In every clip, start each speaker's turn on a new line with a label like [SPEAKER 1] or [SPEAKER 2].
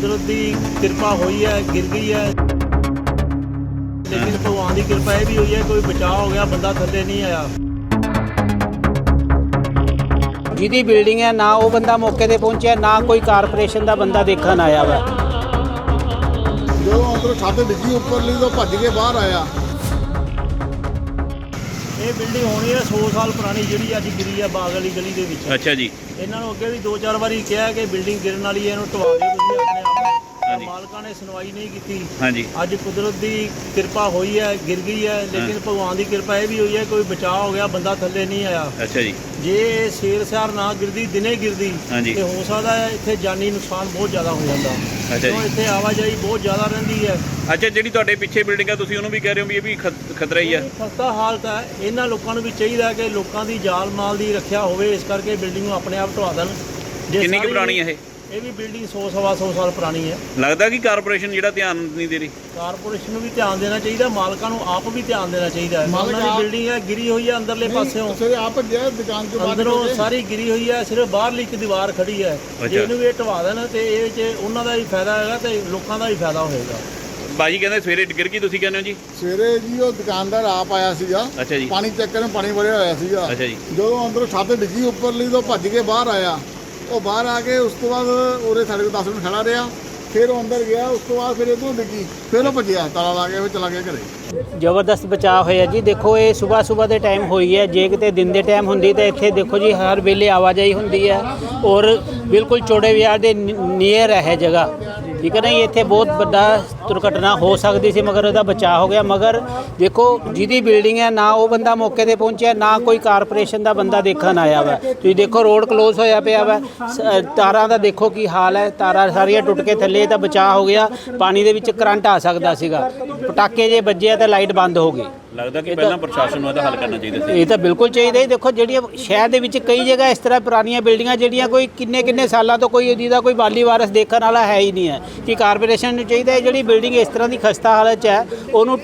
[SPEAKER 1] कुदरत की कृपा हुई है, गिर गई है, लेकिन भगवान की कृपा यह भी हुई है कोई बचाव हो गया, बंदा थल्ले नहीं आया।
[SPEAKER 2] ਜਿਹਦੀ ਬਿਲਡਿੰਗ ਹੈ ਨਾ ਉਹ ਬੰਦਾ ਮੌਕੇ ਤੇ ਪਹੁੰਚਿਆ, ਨਾ ਕੋਈ ਕਾਰਪੋਰੇਸ਼ਨ ਦਾ ਬੰਦਾ ਦੇਖਣ ਆਇਆ ਵਾ।
[SPEAKER 3] ਜਦੋਂ ਅੰਦਰੋਂ ਛੱਤ ਡਿੱਗੀ ਉੱਪਰਲੀ ਤੋਂ ਭੱਜ ਕੇ ਬਾਹਰ ਆਇਆ।
[SPEAKER 1] ਇਹ ਬਿਲਡਿੰਗ ਹੋਣੀ ਹੈ 100 ਸਾਲ ਪੁਰਾਣੀ, ਜਿਹੜੀ ਅੱਜ ਗਿਰੀ ਹੈ ਬਾਗ ਵਾਲੀ ਗਲੀ ਦੇ ਵਿੱਚ।
[SPEAKER 4] ਅੱਛਾ ਜੀ।
[SPEAKER 1] ਇਹਨਾਂ ਨੂੰ ਅੱਗੇ ਵੀ 2-4 ਵਾਰੀ ਕਿਹਾ ਕਿ ਬਿਲਡਿੰਗ ਗਿਰਨ ਵਾਲੀ ਹੈ, ਇਹਨੂੰ ਢਵਾ ਦਿਓ ਤੁਸੀਂ ਆਪਣੇ ਆਪ। ਮਾਲਕਾਂ ਨੇ ਸੁਣਵਾਈ ਨਹੀਂ ਕੀਤੀ।
[SPEAKER 4] ਹਾਂਜੀ।
[SPEAKER 1] ਅੱਜ ਕੁਦਰਤ ਦੀ ਕਿਰਪਾ ਹੋਈ ਹੈ, ਗਿਰ ਗਈ ਹੈ, ਲੇਕਿਨ ਭਗਵਾਨ ਦੀ ਕਿਰਪਾ ਇਹ ਵੀ ਹੋਈ ਹੈ ਕੋਈ ਬਚਾਅ ਹੋ ਗਿਆ, ਬੰਦਾ ਥੱਲੇ ਨਹੀਂ ਆਇਆ।
[SPEAKER 4] ਅੱਛਾ ਜੀ।
[SPEAKER 1] ਜੇ ਸ਼ੇਰ ਸਿਆਰ ਨਾ ਗਿਰਦੀ, ਦਿਨੇ ਗਿਰਦੀ ਤੇ ਹੋ ਸਕਦਾ ਹੈ ਇੱਥੇ ਜਾਨੀ ਨੁਕਸਾਨ ਬਹੁਤ ਜ਼ਿਆਦਾ ਹੋ ਜਾਂਦਾ।
[SPEAKER 4] ਅੱਛਾ ਜੀ।
[SPEAKER 1] ਇੱਥੇ ਆਵਾਜਾਈ ਬਹੁਤ ਜ਼ਿਆਦਾ ਰਹਿੰਦੀ ਹੈ।
[SPEAKER 4] ਅੱਛਾ, ਜਿਹੜੀ ਤੁਹਾਡੇ ਪਿੱਛੇ ਬਿਲਡਿੰਗ ਆ ਤੁਸੀਂ ਉਹਨੂੰ ਵੀ ਕਹਿ ਰਹੇ ਹੋ ਵੀ ਇਹ ਵੀ ਖਤਰਾ ਹੀ ਆ।
[SPEAKER 1] ਖਸਤਾ ਹਾਲਤ ਹੈ। ਇਹਨਾਂ ਲੋਕਾਂ ਨੂੰ ਵੀ ਚਾਹੀਦਾ ਕਿ ਲੋਕਾਂ ਦੀ ਜਾਨ ਮਾਲ ਦੀ ਰੱਖਿਆ ਹੋਵੇ, ਇਸ ਕਰਕੇ ਬਿਲਡਿੰਗ ਨੂੰ ਆਪਣੇ ਆਪ ਢਵਾ ਦੇਣ।
[SPEAKER 4] ਕਿੰਨੀ ਕੁ ਪੁਰਾਣੀ ਹੈ
[SPEAKER 1] ਇਹ ਵੀ ਬਿਲਡਿੰਗ 100-125 ਸਾਲ ਪੁਰਾਣੀ ਹੈ।
[SPEAKER 4] ਲੱਗਦਾ ਕਿ ਕਾਰਪੋਰੇਸ਼ਨ ਜਿਹੜਾ ਧਿਆਨ ਨਹੀਂ ਦੇ ਰਹੀ।
[SPEAKER 1] ਕਾਰਪੋਰੇਸ਼ਨ ਨੂੰ ਵੀ ਧਿਆਨ ਦੇਣਾ ਚਾਹੀਦਾ, ਮਾਲਕਾਂ ਨੂੰ ਆਪ ਵੀ ਧਿਆਨ ਦੇਣਾ ਚਾਹੀਦਾ ਹੈ। ਉਹਨਾਂ ਦੀ ਬਿਲਡਿੰਗ ਹੈ, ਗਿਰੀ ਹੋਈ ਹੈ ਅੰਦਰਲੇ ਪਾਸਿਓਂ,
[SPEAKER 3] ਆਪ ਦੁਕਾਨ ਤੋਂ
[SPEAKER 1] ਅੰਦਰੋਂ ਸਾਰੀ ਗਿਰੀ ਹੋਈ ਹੈ, ਸਿਰਫ ਬਾਹਰਲੀ ਇੱਕ ਦੀਵਾਰ ਖੜੀ ਹੈ। ਜੇ ਇਹਨੂੰ ਵੀ ਇਹ ਢਵਾ ਦੇਣ ਤੇ ਇਹ 'ਚ ਉਹਨਾਂ ਦਾ ਵੀ ਫਾਇਦਾ ਹੈਗਾ ਤੇ ਲੋਕਾਂ ਦਾ ਵੀ ਫਾਇਦਾ ਹੋਏਗਾ।
[SPEAKER 4] ਬਾਜੀ ਕਹਿੰਦੇ ਸਵੇਰੇ ਗਿਰ ਗਈ, ਤੁਸੀਂ ਕਹਿੰਦੇ ਹੋ ਜੀ?
[SPEAKER 3] ਸਵੇਰੇ ਜੀ ਉਹ ਦੁਕਾਨਦਾਰ ਆਪ ਆਇਆ ਸੀਗਾ।
[SPEAKER 4] ਅੱਛਾ ਜੀ।
[SPEAKER 3] ਪਾਣੀ ਚੈੱਕ ਕਰਨ, ਪਾਣੀ ਭਰਿਆ ਹੋਇਆ ਸੀਗਾ।
[SPEAKER 4] ਅੱਛਾ ਜੀ।
[SPEAKER 3] ਜਦੋਂ ਅੰਦਰੋਂ ਛੱਤ ਡਿੱਗੀ ਉੱਪਰਲੀ ਤੋਂ ਭੱਜ ਕੇ ਬਾਹਰ ਆਇਆ। ਉਹ ਬਾਹਰ ਆ ਕੇ ਉਸ ਤੋਂ ਬਾਅਦ ਉਰੇ ਸਾਡੇ ਕੋਲ 10 ਮਿੰਟ ਖੜਾ ਰਿਹਾ, ਫਿਰ ਉਹ ਅੰਦਰ ਗਿਆ। ਉਸ ਤੋਂ ਬਾਅਦ ਫਿਰ ਇੱਧਰੋਂ ਡਿੱਗੀ, ਫਿਰ ਉਹ ਭੱਜਿਆ, ਤਾਲਾ ਲਾ ਕੇ ਫਿਰ ਚਲਾ ਗਿਆ ਘਰੇ।
[SPEAKER 2] ਜ਼ਬਰਦਸਤ ਬਚਾਅ ਹੋਇਆ ਜੀ। ਦੇਖੋ ਇਹ ਸਵੇਰ ਦੇ ਟਾਈਮ ਹੋਈ ਹੈ, ਜੇ ਕਿਤੇ ਦਿਨ ਦੇ ਟਾਈਮ ਹੁੰਦੀ ਤਾਂ ਇੱਥੇ ਦੇਖੋ ਜੀ ਹਰ ਵੇਲੇ ਆਵਾਜਾਈ ਹੁੰਦੀ ਹੈ ਔਰ ਬਿਲਕੁਲ ਚੌੜੇ ਬਾਜ਼ਾਰ ਦੇ ਨੀਅਰ ਹੈ ਜਗ੍ਹਾ, ਠੀਕ ਹੈ ਨਾ। ਇੱਥੇ ਬਹੁਤ ਵੱਡਾ ਦੁਰਘਟਨਾ ਹੋ ਸਕਦੀ ਸੀ, ਮਗਰ ਉਹਦਾ ਬਚਾਅ ਹੋ ਗਿਆ। ਮਗਰ ਦੇਖੋ ਜਿਹਦੀ ਬਿਲਡਿੰਗ ਹੈ ਨਾ ਉਹ ਬੰਦਾ ਮੌਕੇ ਤੇ ਪਹੁੰਚਿਆ, ਨਾ ਕੋਈ ਕਾਰਪੋਰੇਸ਼ਨ ਦਾ ਬੰਦਾ ਦੇਖਣ ਆਇਆ ਵਾ। ਤੁਸੀਂ ਦੇਖੋ ਰੋਡ ਕਲੋਜ਼ ਹੋਇਆ ਪਿਆ ਵਾ, ਤਾਰਾਂ ਦਾ ਦੇਖੋ ਕੀ ਹਾਲ ਹੈ, ਤਾਰਾਂ ਸਾਰੀਆਂ ਟੁੱਟ ਕੇ ਥੱਲੇ, ਤਾਂ ਬਚਾਅ ਹੋ ਗਿਆ। ਪਾਣੀ ਦੇ ਵਿੱਚ ਕਰੰਟ ਆ ਸਕਦਾ ਸੀਗਾ, ਪਟਾਕੇ ਜੇ ਵੱਜੇ ਤਾਂ ਲਾਈਟ ਬੰਦ ਹੋ ਗਈ।
[SPEAKER 4] ਲੱਗਦਾ ਕਿ ਪਹਿਲਾਂ ਪ੍ਰਸ਼ਾਸਨ ਨੂੰ ਇਹਦਾ ਹੱਲ ਕਰਨਾ ਚਾਹੀਦਾ ਸੀ।
[SPEAKER 2] ਇਹ ਤਾਂ ਬਿਲਕੁਲ ਚਾਹੀਦਾ ਹੀ। ਦੇਖੋ ਜਿਹੜੀਆਂ ਸ਼ਹਿਰ ਦੇ ਵਿੱਚ ਕਈ ਜਗ੍ਹਾ ਇਸ ਤਰ੍ਹਾਂ ਪੁਰਾਣੀਆਂ ਬਿਲਡਿੰਗਾਂ ਜਿਹੜੀਆਂ ਕੋਈ ਕਿੰਨੇ ਸਾਲਾਂ ਤੋਂ ਕੋਈ ਇਹਦਾ ਕੋਈ ਵਾਲੀ ਵਾਰਸ ਦੇਖਣ ਵਾਲਾ ਹੈ ਹੀ ਨਹੀਂ ਹੈ, ਕਿ ਕਾਰਪੋਰੇਸ਼ਨ ਨੂੰ ਚਾਹੀਦਾ ਹੈ ਜਿਹੜੀ ਬਿਲਡਿੰਗ ਇਸ ਤਰ੍ਹਾਂ ਦੀ ਖਸਤਾ ਹਾਲਤ 'ਚ ਹੈ ਉਹਨੂੰ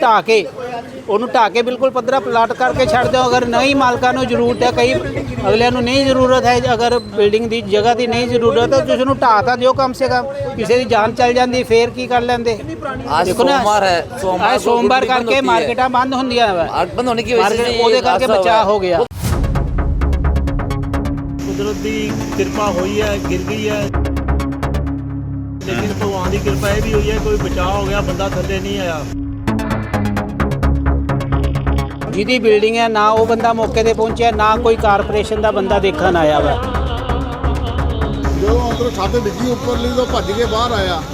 [SPEAKER 2] ਢਾਹ ਕੇ ਬਿਲਕੁਲ ਪੱਧਰਾ ਪਲਾਟ ਕਰਕੇ ਛੱਡ ਦਿਓ। ਅਗਰ ਨਹੀਂ ਮਾਲਕਾਂ ਨੂੰ ਜ਼ਰੂਰਤ ਹੈ, ਕਈ ਅਗਲਿਆਂ ਨੂੰ ਨਹੀਂ ਜ਼ਰੂਰਤ ਹੈ, ਅਗਰ ਬਿਲਡਿੰਗ ਦੀ ਜਗ੍ਹਾ ਦੀ ਨਹੀਂ ਜ਼ਰੂਰਤ ਹੈ ਤਾਂ ਤੁਸੀਂ ਨੂੰ ਢਾਹ ਤਾਂ ਦਿਓ ਕਮ ਸੇ ਕਮ। ਕਿਸੇ ਦੀ ਜਾਨ ਚੱਲ ਜਾਂਦੀ ਫੇਰ ਕੀ ਕਰ ਲੈਂਦੇ। ਦੇਖੋ ਨਾ ਸੋਮਵਾਰ ਕਰਕੇ ਮਾਰਕੀਟਾਂ ਬੰਦ ਹੁੰਦੀਆਂ
[SPEAKER 5] बंद होने की वजह से
[SPEAKER 2] ਉਹਦੇ ਕਰਕੇ ਬਚਾਅ ਹੋ ਗਿਆ।
[SPEAKER 1] ਕੁਦਰਤ ਦੀ ਕਿਰਪਾ ਹੋਈ ਹੈ, ਗਿਰ ਗਈ ਹੈ, ਲੇਕਿਨ ਭਗਵਾਨ ਦੀ ਕਿਰਪਾ ਇਹ ਵੀ ਹੋਈ ਹੈ ਕੋਈ ਬਚਾਅ ਹੋ ਗਿਆ, ਬੰਦਾ ਥੱਲੇ ਨਹੀਂ ਆਇਆ।
[SPEAKER 2] ਜਿਹਦੀ ਬਿਲਡਿੰਗ ਹੈ ਨਾ ਉਹ ਬੰਦਾ ਮੌਕੇ ਤੇ ਪਹੁੰਚਿਆ, ਨਾ ਕੋਈ ਕਾਰਪੋਰੇਸ਼ਨ ਦਾ ਬੰਦਾ ਦੇਖਣ ਆਇਆ ਵਾ।
[SPEAKER 3] ਜਦੋਂ ਅੰਦਰੋਂ ਛੱਤ ਡਿੱਗੀ ਉੱਪਰਲੀ ਤੋਂ ਭੱਜ ਕੇ ਬਾਹਰ ਆਇਆ।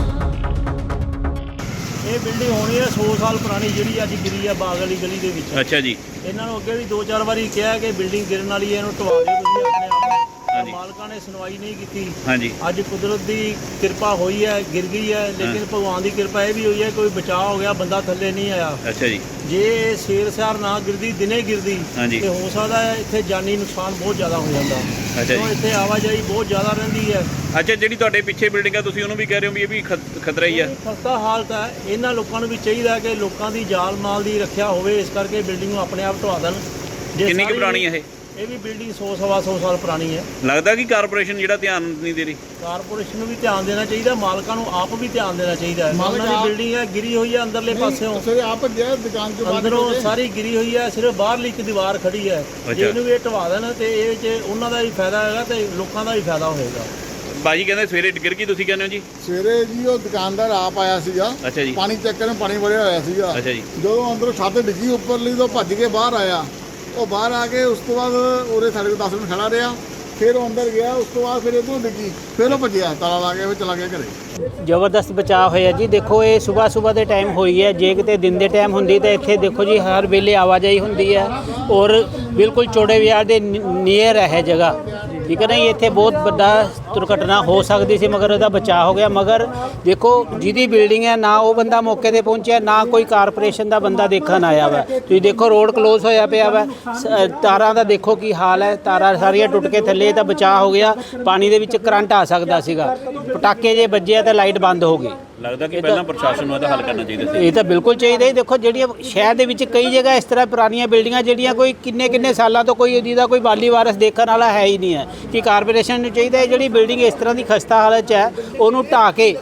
[SPEAKER 1] ਇਹ ਬਿਲਡਿੰਗ ਹੋਣੀ ਹੈ 100 ਸਾਲ ਪੁਰਾਣੀ, ਜਿਹੜੀ ਅੱਜ ਗਿਰੀ ਹੈ ਬਾਗ ਵਾਲੀ ਗਲੀ ਦੇ ਵਿੱਚ।
[SPEAKER 4] ਅੱਛਾ ਜੀ।
[SPEAKER 1] ਇਹਨਾਂ ਨੂੰ ਅੱਗੇ ਵੀ 2-4 ਵਾਰੀ ਕਿਹਾ ਕਿ ਬਿਲਡਿੰਗ ਗਿਰਨ ਵਾਲੀ ਹੈ, ਇਹਨੂੰ ਢਵਾ ਦਿਓ ਤੁਸੀਂ ਆਪਣੇ ਆਪ। ਮਾਲਕਾਂ ਨੇ ਸੁਣਵਾਈ ਨਹੀਂ ਕੀਤੀ।
[SPEAKER 4] ਹਾਂਜੀ।
[SPEAKER 1] ਅੱਜ ਕੁਦਰਤ ਦੀ ਕਿਰਪਾ ਹੋਈ ਹੈ, ਗਿਰ ਗਈ ਹੈ, ਲੇਕਿਨ ਭਗਵਾਨ ਦੀ ਕਿਰਪਾ ਇਹ ਵੀ ਹੋਈ ਹੈ ਕੋਈ ਬਚਾਅ ਹੋ ਗਿਆ, ਬੰਦਾ ਥੱਲੇ ਨਹੀਂ ਆਇਆ।
[SPEAKER 4] ਅੱਛਾ ਜੀ।
[SPEAKER 1] ਜੇ ਸ਼ੇਰ ਸਿਆਰ ਨਾ ਗਿਰਦੀ, ਦਿਨੇ ਗਿਰਦੀ ਤੇ ਹੋ ਸਕਦਾ ਹੈ ਇੱਥੇ ਜਾਨੀ ਨੁਕਸਾਨ ਬਹੁਤ ਜ਼ਿਆਦਾ ਹੋ ਜਾਂਦਾ।
[SPEAKER 4] ਅੱਛਾ ਜੀ।
[SPEAKER 1] ਇੱਥੇ ਆਵਾਜਾਈ ਬਹੁਤ ਜ਼ਿਆਦਾ ਰਹਿੰਦੀ ਹੈ।
[SPEAKER 4] ਅੱਛਾ, ਜਿਹੜੀ ਤੁਹਾਡੇ ਪਿੱਛੇ ਬਿਲਡਿੰਗ ਆ ਤੁਸੀਂ ਉਹਨੂੰ ਵੀ ਕਹਿ ਰਹੇ ਹੋ ਵੀ ਇਹ ਵੀ ਖਤਰਾ ਹੀ ਆ।
[SPEAKER 1] ਖਸਤਾ ਹਾਲਤ ਹੈ। ਇਹਨਾਂ ਲੋਕਾਂ ਨੂੰ ਵੀ ਚਾਹੀਦਾ ਕਿ ਲੋਕਾਂ ਦੀ ਜਾਨ ਮਾਲ ਦੀ ਰੱਖਿਆ ਹੋਵੇ, ਇਸ ਕਰਕੇ ਬਿਲਡਿੰਗ ਨੂੰ ਆਪਣੇ ਆਪ ਢਵਾ ਦੇਣ।
[SPEAKER 4] ਕਿੰਨੀ ਕੁ ਪੁਰਾਣੀ ਹੈ
[SPEAKER 1] ਇਹ ਵੀ ਬਿਲਡਿੰਗ 100-125 ਸਾਲ ਪੁਰਾਣੀ ਹੈ।
[SPEAKER 4] ਲੱਗਦਾ ਕਿ ਕਾਰਪੋਰੇਸ਼ਨ ਜਿਹੜਾ ਧਿਆਨ ਨਹੀਂ ਦੇ ਰਹੀ।
[SPEAKER 1] ਕਾਰਪੋਰੇਸ਼ਨ ਨੂੰ ਵੀ ਧਿਆਨ ਦੇਣਾ ਚਾਹੀਦਾ, ਮਾਲਕਾਂ ਨੂੰ ਆਪ ਵੀ ਧਿਆਨ ਦੇਣਾ ਚਾਹੀਦਾ ਹੈ। ਉਹਨਾਂ ਦੀ ਬਿਲਡਿੰਗ ਹੈ, ਗਿਰੀ ਹੋਈ ਹੈ ਅੰਦਰਲੇ ਪਾਸਿਓਂ,
[SPEAKER 3] ਆਪ ਦੁਕਾਨ ਤੋਂ
[SPEAKER 1] ਅੰਦਰੋਂ ਸਾਰੀ ਗਿਰੀ ਹੋਈ ਹੈ, ਸਿਰਫ ਬਾਹਰਲੀ ਇੱਕ ਦੀਵਾਰ ਖੜੀ ਹੈ। ਜੇ ਇਹਨੂੰ ਵੀ ਇਹ ਢਵਾ ਦੇਣ ਤੇ ਇਹ 'ਚ ਉਹਨਾਂ ਦਾ ਵੀ ਫਾਇਦਾ ਹੈਗਾ ਤੇ ਲੋਕਾਂ ਦਾ ਵੀ ਫਾਇਦਾ ਹੋਏਗਾ।
[SPEAKER 4] ਬਾਜੀ ਕਹਿੰਦੇ ਸਵੇਰੇ ਗਿਰ ਗਈ, ਤੁਸੀਂ ਕਹਿੰਦੇ ਹੋ ਜੀ?
[SPEAKER 3] ਸਵੇਰੇ ਜੀ ਉਹ ਦੁਕਾਨਦਾਰ ਆਪ ਆਇਆ ਸੀਗਾ।
[SPEAKER 4] ਅੱਛਾ ਜੀ।
[SPEAKER 3] ਪਾਣੀ ਚੈੱਕ ਕਰਨ, ਪਾਣੀ ਭਰਿਆ ਹੋਇਆ ਸੀਗਾ।
[SPEAKER 4] ਅੱਛਾ ਜੀ।
[SPEAKER 3] ਜਦੋਂ ਅੰਦਰੋਂ ਛੱਤ ਡਿੱਗੀ ਉੱਪਰਲੀ ਤੋਂ ਭੱਜ ਕੇ ਬਾਹਰ ਆਇਆ। ਉਹ ਬਾਹਰ ਆ ਕੇ ਉਸ ਤੋਂ ਬਾਅਦ ਉਰੇ ਸਾਡੇ ਕੋਲ 10 ਮਿੰਟ ਖੜਾ ਰਿਹਾ, ਫਿਰ ਉਹ ਅੰਦਰ ਗਿਆ। ਉਸ ਤੋਂ ਬਾਅਦ ਫਿਰ ਇੱਧਰੋਂ ਡਿੱਗੀ, ਫਿਰ ਉਹ ਭੱਜਿਆ, ਤਾਲਾ ਲਾ ਕੇ ਫਿਰ ਚਲਾ ਗਿਆ ਘਰੇ।
[SPEAKER 2] ਜ਼ਬਰਦਸਤ ਬਚਾਅ ਹੋਇਆ ਜੀ। ਦੇਖੋ ਇਹ ਸਵੇਰ ਦੇ ਟਾਈਮ ਹੋਈ ਹੈ, ਜੇ ਕਿਤੇ ਦਿਨ ਦੇ ਟਾਈਮ ਹੁੰਦੀ ਤਾਂ ਇੱਥੇ ਦੇਖੋ ਜੀ ਹਰ ਵੇਲੇ ਆਵਾਜਾਈ ਹੁੰਦੀ ਹੈ ਔਰ ਬਿਲਕੁਲ ਚੌੜੇ ਬਾਜ਼ਾਰ ਦੇ ਨੀਅਰ ਹੈ ਜਗ੍ਹਾ, ਠੀਕ ਹੈ ਨਾ। ਇੱਥੇ ਬਹੁਤ ਵੱਡਾ ਦੁਰਘਟਨਾ ਹੋ ਸਕਦੀ ਸੀ, ਮਗਰ ਉਹਦਾ ਬਚਾਅ ਹੋ ਗਿਆ। ਮਗਰ ਦੇਖੋ ਜਿਹਦੀ ਬਿਲਡਿੰਗ ਹੈ ਨਾ ਉਹ ਬੰਦਾ ਮੌਕੇ ਤੇ ਪਹੁੰਚਿਆ, ਨਾ ਕੋਈ ਕਾਰਪੋਰੇਸ਼ਨ ਦਾ ਬੰਦਾ ਦੇਖਣ ਆਇਆ ਵਾ। ਤੁਸੀਂ ਦੇਖੋ ਰੋਡ ਕਲੋਜ਼ ਹੋਇਆ ਪਿਆ ਵਾ, ਤਾਰਾਂ ਦਾ ਦੇਖੋ ਕੀ ਹਾਲ ਹੈ, ਤਾਰਾਂ ਸਾਰੀਆਂ ਟੁੱਟ ਕੇ ਥੱਲੇ, ਤਾਂ ਬਚਾਅ ਹੋ ਗਿਆ। ਪਾਣੀ ਦੇ ਵਿੱਚ ਕਰੰਟ ਆ ਸਕਦਾ ਸੀਗਾ, ਪਟਾਕੇ ਜੇ ਵੱਜੇ ਤਾਂ ਲਾਈਟ ਬੰਦ ਹੋ ਗਈ।
[SPEAKER 4] ਲੱਗਦਾ ਕਿ ਪਹਿਲਾਂ ਪ੍ਰਸ਼ਾਸਨ ਨੂੰ ਇਹਦਾ ਹੱਲ ਕਰਨਾ ਚਾਹੀਦਾ ਸੀ।
[SPEAKER 2] ਇਹ ਤਾਂ ਬਿਲਕੁਲ ਚਾਹੀਦਾ ਹੀ। ਦੇਖੋ ਜਿਹੜੀਆਂ ਸ਼ਹਿਰ ਦੇ ਵਿੱਚ ਕਈ ਜਗ੍ਹਾ ਇਸ ਤਰ੍ਹਾਂ ਪੁਰਾਣੀਆਂ ਬਿਲਡਿੰਗਾਂ ਜਿਹੜੀਆਂ ਕੋਈ ਕਿੰਨੇ ਸਾਲਾਂ ਤੋਂ ਕੋਈ ਇਹਦਾ ਕੋਈ ਵਾਲੀ ਵਾਰਸ ਦੇਖਣ ਵਾਲਾ ਹੈ ਹੀ ਨਹੀਂ ਹੈ, ਕਿ ਕਾਰਪੋਰੇਸ਼ਨ ਨੂੰ ਚਾਹੀਦਾ ਹੈ ਜਿਹੜੀ ਬਿਲਡਿੰਗ ਇਸ ਤਰ੍ਹਾਂ ਦੀ ਖਸਤਾ ਹਾਲਤ 'ਚ ਹੈ ਉਹਨੂੰ ਢਾਹ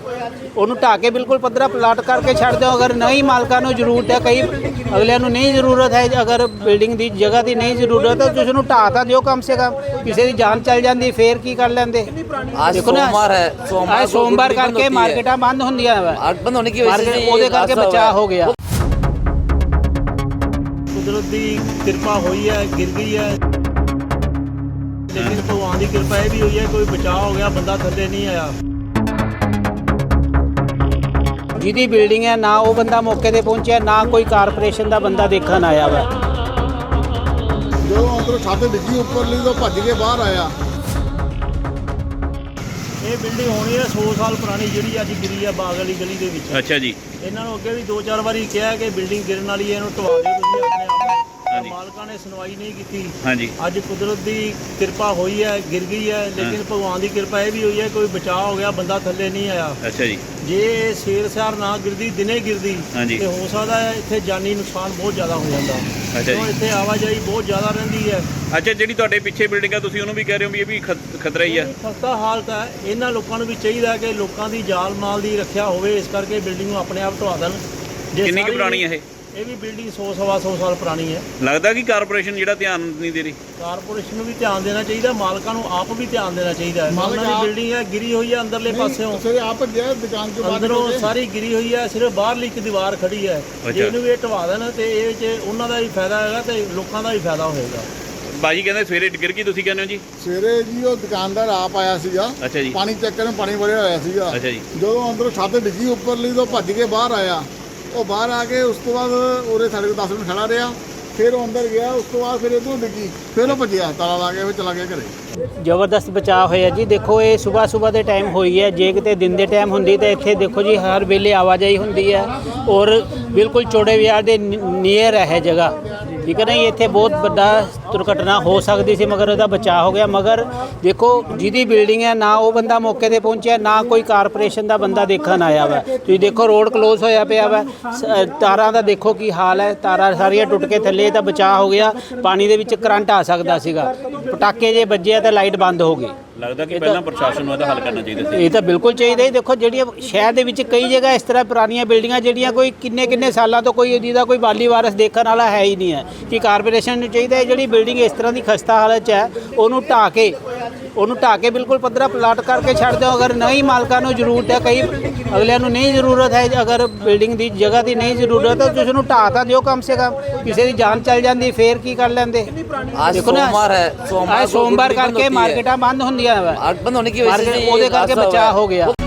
[SPEAKER 2] ਉਹਨੂੰ ਢਾਹ ਕੇ ਬਿਲਕੁਲ ਪੱਧਰਾ ਪਲਾਟ ਕਰਕੇ ਛੱਡ ਦਿਓ। ਅਗਰ ਨਹੀਂ ਮਾਲਕਾਂ ਨੂੰ ਜ਼ਰੂਰਤ ਹੈ, ਕਈ ਅਗਲਿਆਂ ਨੂੰ ਨਹੀਂ ਜ਼ਰੂਰਤ ਹੈ, ਅਗਰ ਬਿਲਡਿੰਗ ਦੀ ਜਗ੍ਹਾ ਦੀ ਨਹੀਂ ਜ਼ਰੂਰਤ ਹੈ ਤਾਂ ਤੁਸੀਂ ਨੂੰ ਢਾਹ ਤਾਂ ਦਿਓ ਕਮ ਸੇ ਕਮ। ਕਿਸੇ ਦੀ ਜਾਨ ਚੱਲ ਜਾਂਦੀ ਫੇਰ ਕੀ ਕਰ ਲੈਂਦੇ।
[SPEAKER 5] आज सोमवार है,
[SPEAKER 2] ਅੱਜ ਸੋਮਵਾਰ ਕਰਕੇ ਮਾਰਕੀਟਾਂ ਬੰਦ ਹੁੰਦੀਆਂ ਵਾ,
[SPEAKER 5] बंद होने की वजह से
[SPEAKER 2] ਉਹਦੇ ਕਰਕੇ ਬਚਾਅ ਹੋ ਗਿਆ।
[SPEAKER 1] ਕੁਦਰਤ ਦੀ ਕਿਰਪਾ ਹੋਈ ਹੈ, ਗਿਰ ਗਈ ਹੈ, ਲੇਕਿਨ ਭਗਵਾਨ ਦੀ ਕਿਰਪਾ ਇਹ ਵੀ ਹੋਈ ਹੈ ਕੋਈ ਬਚਾਅ ਹੋ ਗਿਆ, ਬੰਦਾ ਥੱਲੇ ਨਹੀਂ ਆਇਆ।
[SPEAKER 2] ਜਿਹਦੀ ਬਿਲਡਿੰਗ ਹੈ ਨਾ ਉਹ ਬੰਦਾ ਮੌਕੇ ਤੇ ਪਹੁੰਚਿਆ, ਨਾ ਕੋਈ ਕਾਰਪੋਰੇਸ਼ਨ ਦਾ ਬੰਦਾ ਦੇਖਣ ਆਇਆ ਵਾ।
[SPEAKER 3] ਜਦੋਂ ਅੰਦਰੋਂ ਛੱਤ ਡਿੱਗੀ ਉੱਪਰਲੀ ਤੋਂ ਭੱਜ ਕੇ ਬਾਹਰ ਆਇਆ।
[SPEAKER 1] ਇਹ ਬਿਲਡਿੰਗ ਹੋਣੀ ਹੈ 100 ਸਾਲ ਪੁਰਾਣੀ, ਜਿਹੜੀ ਅੱਜ ਗਿਰੀ ਹੈ ਬਾਗ ਵਾਲੀ ਗਲੀ ਦੇ ਵਿੱਚ।
[SPEAKER 4] ਅੱਛਾ ਜੀ।
[SPEAKER 1] ਇਹਨਾਂ ਨੂੰ ਅੱਗੇ ਵੀ 2-4 ਵਾਰੀ ਕਿਹਾ ਕਿ ਬਿਲਡਿੰਗ ਗਿਰਨ ਵਾਲੀ ਹੈ, ਇਹਨੂੰ ਢਵਾ ਦਿਓ ਤੁਸੀਂ ਆਪਣੇ ਆਪ ਨੂੰ। ਮਾਲਕਾਂ ਨੇ ਸੁਣਵਾਈ ਨਹੀਂ ਕੀਤੀ।
[SPEAKER 4] ਹਾਂਜੀ।
[SPEAKER 1] ਅੱਜ ਕੁਦਰਤ ਦੀ ਕਿਰਪਾ ਹੋਈ ਹੈ, ਗਿਰ ਗਈ ਹੈ, ਲੇਕਿਨ ਭਗਵਾਨ ਦੀ ਕਿਰਪਾ ਇਹ ਵੀ ਹੋਈ ਹੈ ਕੋਈ ਬਚਾਅ ਹੋ ਗਿਆ, ਬੰਦਾ ਥੱਲੇ ਨਹੀਂ ਆਇਆ।
[SPEAKER 4] ਅੱਛਾ ਜੀ।
[SPEAKER 1] ਜੇ ਸ਼ੇਰ ਸਿਆਰ ਨਾ ਗਿਰਦੀ, ਦਿਨੇ ਗਿਰਦੀ
[SPEAKER 4] ਹਾਂਜੀ।
[SPEAKER 1] ਤੇ ਹੋ ਸਕਦਾ ਹੈ ਇੱਥੇ ਜਾਨੀ ਨੁਕਸਾਨ ਬਹੁਤ ਜ਼ਿਆਦਾ ਹੋ ਜਾਂਦਾ।
[SPEAKER 4] ਅੱਛਾ
[SPEAKER 1] ਕਿਉਂ
[SPEAKER 4] ਜੀ।
[SPEAKER 1] ਇੱਥੇ ਆਵਾਜਾਈ ਬਹੁਤ ਜ਼ਿਆਦਾ ਰਹਿੰਦੀ ਹੈ।
[SPEAKER 4] ਅੱਛਾ, ਜਿਹੜੀ ਤੁਹਾਡੇ ਪਿੱਛੇ ਬਿਲਡਿੰਗ ਆ ਤੁਸੀਂ ਉਹਨੂੰ ਵੀ ਕਹਿ ਰਹੇ ਹੋ ਵੀ ਇਹ ਵੀ ਖਤਰਾ ਹੀ ਆ।
[SPEAKER 1] ਖਸਤਾ ਹਾਲਤ ਹੈ। ਇਹਨਾਂ ਲੋਕਾਂ ਨੂੰ ਵੀ ਚਾਹੀਦਾ ਕਿ ਲੋਕਾਂ ਦੀ ਜਾਨ ਮਾਲ ਦੀ ਰੱਖਿਆ ਹੋਵੇ, ਇਸ ਕਰਕੇ ਬਿਲਡਿੰਗ ਨੂੰ ਆਪਣੇ ਆਪ ਢਵਾ ਦੇਣ। ਜੇ
[SPEAKER 4] ਕਿੰਨੀ ਕੁ
[SPEAKER 1] ਸਾਰੀ-
[SPEAKER 4] ਪੁਰਾਣੀ ਹੈ ਇਹ?
[SPEAKER 1] ਇਹ ਵੀ ਬਿਲਡਿੰਗ 100-125 ਸਾਲ ਪੁਰਾਣੀ ਹੈ।
[SPEAKER 4] ਲੱਗਦਾ ਕਿ ਕਾਰਪੋਰੇਸ਼ਨ ਜਿਹੜਾ ਧਿਆਨ ਨਹੀਂ ਦੇ ਰਹੀ।
[SPEAKER 1] ਕਾਰਪੋਰੇਸ਼ਨ ਨੂੰ ਵੀ ਧਿਆਨ ਦੇਣਾ ਚਾਹੀਦਾ, ਮਾਲਕਾਂ ਨੂੰ ਆਪ ਵੀ ਧਿਆਨ ਦੇਣਾ ਚਾਹੀਦਾ ਹੈ।
[SPEAKER 3] ਮਾਲਕ
[SPEAKER 1] ਉਹਨਾਂ ਦੀ
[SPEAKER 3] ਆਪ-
[SPEAKER 1] ਬਿਲਡਿੰਗ ਹੈ, ਗਿਰੀ ਹੋਈ ਹੈ ਅੰਦਰਲੇ ਪਾਸਿਓਂ,
[SPEAKER 3] ਸਵੇਰੇ ਆਪ ਗਿਆ ਦੁਕਾਨ ਤੋਂ ਬਾਹਰ
[SPEAKER 1] ਅੰਦਰੋਂ
[SPEAKER 3] ਨਿਕਲ ਕੇ।
[SPEAKER 1] ਸਾਰੀ ਗਿਰੀ ਹੋਈ ਹੈ, ਸਿਰਫ ਬਾਹਰਲੀ ਇੱਕ ਦੀਵਾਰ ਖੜੀ ਹੈ। ਜੇ ਇਹਨੂੰ ਵੀ ਇਹ ਢਵਾ ਦੇਣ ਤੇ ਇਹ 'ਚ ਉਹਨਾਂ ਦਾ ਵੀ ਫਾਇਦਾ ਹੈਗਾ ਤੇ ਲੋਕਾਂ ਦਾ ਵੀ ਫਾਇਦਾ ਹੋਏਗਾ।
[SPEAKER 4] ਬਾਜੀ ਕਹਿੰਦੇ ਸਵੇਰੇ ਗਿਰ ਗਈ, ਤੁਸੀਂ ਕਹਿੰਦੇ ਹੋ ਜੀ?
[SPEAKER 3] ਸਵੇਰੇ ਜੀ ਉਹ ਦੁਕਾਨਦਾਰ ਆਪ ਆਇਆ ਸੀਗਾ,
[SPEAKER 4] ਅੱਛਾ ਜੀ।
[SPEAKER 3] ਪਾਣੀ ਚੈੱਕ ਕਰਨ, ਪਾਣੀ ਭਰਿਆ ਹੋਇਆ ਸੀਗਾ।
[SPEAKER 4] ਅੱਛਾ ਜੀ।
[SPEAKER 3] ਜਦੋਂ ਅੰਦਰੋਂ ਛੱਤ ਡਿੱਗੀ ਉੱਪਰਲੀ ਤੋਂ ਭੱਜ ਕੇ ਬਾਹਰ ਆਇਆ। ਉਹ ਬਾਹਰ ਆ ਕੇ ਉਸ ਤੋਂ ਬਾਅਦ ਉਹਦੇ ਸਾਡੇ ਕੋਲ 10 ਮਿੰਟ ਖੜਾ ਰਿਹਾ, ਫਿਰ ਉਹ ਅੰਦਰ ਗਿਆ। ਉਸ ਤੋਂ ਬਾਅਦ ਫਿਰ ਇੱਧਰੋਂ ਡਿੱਗੀ, ਫਿਰ ਉਹ ਭੱਜਿਆ, ਤਾਲਾ ਲਾ ਕੇ ਫਿਰ ਚਲਾ ਗਿਆ ਘਰੇ।
[SPEAKER 2] ਜ਼ਬਰਦਸਤ ਬਚਾਅ ਹੋਇਆ ਜੀ। ਦੇਖੋ ਇਹ ਸਵੇਰ ਦੇ ਟਾਈਮ ਹੋਈ ਹੈ, ਜੇ ਕਿਤੇ ਦਿਨ ਦੇ ਟਾਈਮ ਹੁੰਦੀ ਤਾਂ ਇੱਥੇ ਦੇਖੋ ਜੀ ਹਰ ਵੇਲੇ ਆਵਾਜਾਈ ਹੁੰਦੀ ਹੈ ਔਰ ਬਿਲਕੁਲ ਚੌੜੇ ਬਾਜ਼ਾਰ ਦੇ ਨੀਅਰ ਹੈ ਜਗ੍ਹਾ, ਠੀਕ ਹੈ ਨਾ। ਇੱਥੇ ਬਹੁਤ ਵੱਡਾ ਦੁਰਘਟਨਾ ਹੋ ਸਕਦੀ ਸੀ, ਮਗਰ ਉਹਦਾ ਬਚਾਅ ਹੋ ਗਿਆ। ਮਗਰ ਦੇਖੋ ਜਿਹਦੀ ਬਿਲਡਿੰਗ ਹੈ ਨਾ ਉਹ ਬੰਦਾ ਮੌਕੇ ਤੇ ਪਹੁੰਚਿਆ, ਨਾ ਕੋਈ ਕਾਰਪੋਰੇਸ਼ਨ ਦਾ ਬੰਦਾ ਦੇਖਣ ਆਇਆ ਵਾ। ਤੁਸੀਂ ਦੇਖੋ ਰੋਡ ਕਲੋਜ਼ ਹੋਇਆ ਪਿਆ ਵਾ, ਤਾਰਾਂ ਦਾ ਦੇਖੋ ਕੀ ਹਾਲ ਹੈ, ਤਾਰਾਂ ਸਾਰੀਆਂ ਟੁੱਟ ਕੇ ਥੱਲੇ, ਤਾਂ ਬਚਾਅ ਹੋ ਗਿਆ। ਪਾਣੀ ਦੇ ਵਿੱਚ ਕਰੰਟ ਆ ਸਕਦਾ ਸੀਗਾ, ਪਟਾਕੇ ਜੇ ਵੱਜਿਆ ਤਾਂ ਲਾਈਟ ਬੰਦ ਹੋ ਗਈ।
[SPEAKER 4] ਲੱਗਦਾ ਕਿ ਪਹਿਲਾਂ ਪ੍ਰਸ਼ਾਸਨ ਨੂੰ ਇਹਦਾ ਹੱਲ ਕਰਨਾ ਚਾਹੀਦਾ ਸੀ।
[SPEAKER 2] ਇਹ ਤਾਂ ਬਿਲਕੁਲ ਚਾਹੀਦਾ ਹੀ। ਦੇਖੋ ਜਿਹੜੀਆਂ ਸ਼ਹਿਰ ਦੇ ਵਿੱਚ ਕਈ ਜਗ੍ਹਾ ਇਸ ਤਰ੍ਹਾਂ ਪੁਰਾਣੀਆਂ ਬਿਲਡਿੰਗਾਂ ਜਿਹੜੀਆਂ ਕੋਈ ਕਿੰਨੇ ਸਾਲਾਂ ਤੋਂ ਕੋਈ ਜਿਹਦਾ ਕੋਈ ਵਾਲੀ ਵਾਰਸ ਦੇਖਣ ਵਾਲਾ ਹੈ ਹੀ ਨਹੀਂ ਹੈ, ਕਿ ਕਾਰਪੋਰੇਸ਼ਨ ਨੂੰ ਚਾਹੀਦਾ ਹੈ ਜਿਹੜੀ ਬਿਲਡਿੰਗ ਇਸ ਤਰ੍ਹਾਂ ਦੀ ਖਸਤਾ ਹਾਲਤ 'ਚ ਹੈ ਉਹਨੂੰ ਢਾਹ ਕੇ ਬਿਲਕੁਲ ਪੱਧਰਾ ਪਲਾਟ ਕਰਕੇ ਛੱਡ ਦਿਓ। ਅਗਰ ਨਹੀਂ ਮਾਲਕਾਂ ਨੂੰ ਜ਼ਰੂਰਤ ਹੈ, ਕਈ ਅਗਲਿਆਂ ਨੂੰ ਨਹੀਂ ਜ਼ਰੂਰਤ ਹੈ, ਅਗਰ ਬਿਲਡਿੰਗ ਦੀ ਜਗ੍ਹਾ ਦੀ ਨਹੀਂ ਜ਼ਰੂਰਤ ਹੈ ਤਾਂ ਤੁਸੀਂ ਨੂੰ ਢਾਹ ਤਾਂ ਦਿਓ ਕਮ ਸੇ ਕਮ। ਕਿਸੇ ਦੀ ਜਾਨ ਚੱਲ ਜਾਂਦੀ ਫੇਰ ਕੀ ਕਰ ਲੈਂਦੇ।
[SPEAKER 5] आज सोमवार है,
[SPEAKER 2] ਅੱਜ ਸੋਮਵਾਰ ਕਰਕੇ ਮਾਰਕੀਟਾਂ ਬੰਦ ਹੁੰਦੀਆਂ ਵਾ,
[SPEAKER 5] बंद होने की वजह से
[SPEAKER 2] ਉਹਦੇ ਕਰਕੇ ਬਚਾਅ ਹੋ ਗਿਆ।